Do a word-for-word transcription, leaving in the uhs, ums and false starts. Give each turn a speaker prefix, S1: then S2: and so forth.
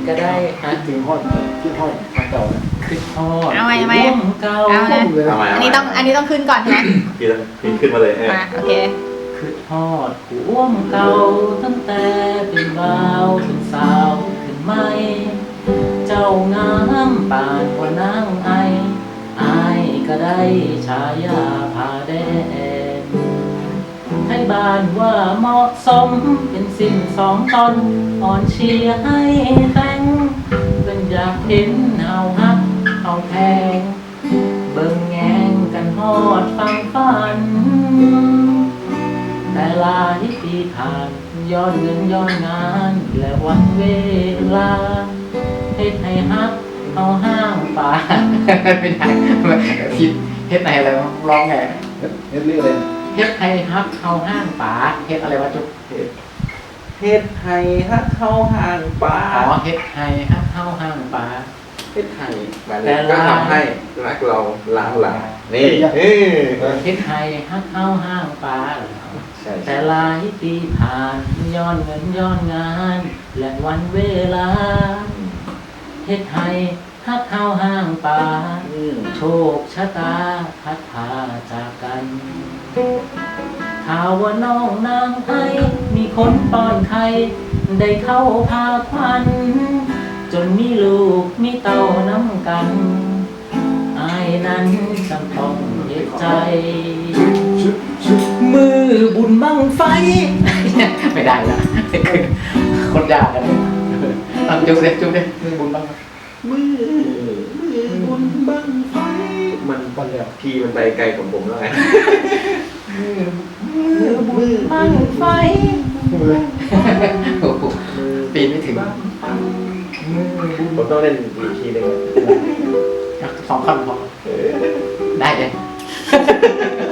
S1: ก็ได้ฮะ
S2: จริงทอดที่ทอดมาเก่านะ
S1: คือทอด
S3: เอาไหมเอาไหม
S1: ร่วมเก่า
S3: เอานะ
S4: เอาใหม่
S3: อั
S4: เอา
S3: น
S4: ใหม่
S3: นี้ต้องอันนี้ต้องขึ้นก่อนใช่ไหม
S4: พี่ต้องพี่ขึ้นมาเลยเออ
S3: มาโอเค
S1: คือทอดร่วมเก่าตั้งแต่เป็นบ่าวเป็นสาวขึ้นไม่เจ้างามปานกว่านางไออายก็ได้ฉายาผาแดงให้บ้านว่าเหมาะสมเป็นสิ่งสองตนอ่อนเชียร์ให้แต่งเป็นอยากเห็นเฮาฮักเฮาแพงเบิ่งแงงกันฮอดฟังฝันแต่หลายปีผ่านย้อนเงินย้อนงานและวันเวลาเฮ็ดให้ฮักเฮาห้างป่า ไม่ได้ผิดเฮ็ดไหนอะไรร้องไง
S2: เฮ็ดเฮ็ดเรื่องอะไร
S1: เฮ็ดให้ฮักเฮาห้างป่าเฮ็ดอะไรวะจุ๊บ
S4: เฮ็ดไห้ฮักเข้าห่างป่า
S1: อ๋อเฮ็ดให้ฮักเฮาห้างป่า
S4: เฮ็ดไห้มาเลยก็ทำให้รักเราล้างหลังนี่เออ
S1: เฮ็ดให้ฮักเฮาห้างป่า
S4: ใช่
S1: แต่หลายปีผ่านย้อนเงินย้อนงาน และวันเวลาเฮ็ดให้ฮักเฮาห้างป่า
S4: อืม
S1: โชคชะตาพัดพาจากกันข่าวว่าน้องนางไอมีคนป้อนไข่ได้เข้าพาควันจนมีลูกมีเต้าน้ำกันอายนั้นจำต้องเฮ็ดใจ มือบุญบังไฟ ไม่ได้ละคนยากกันเลยตั้งจุ๊บเลยจุ๊บเลยมือบุญบังไฟ
S4: มือมือบนบังไฟมัน
S2: ก่อนแล้ว
S4: พีมันไปไกลของผมแล้วไง
S1: มือมือบุญบังไฟ
S2: มือ
S1: โอ้โหปีนไม่ถึง มือบุญ
S4: ผมต้องเล่นอีกทีหนึงอะ
S1: สองคำพอ
S4: เออ
S1: ได้เลย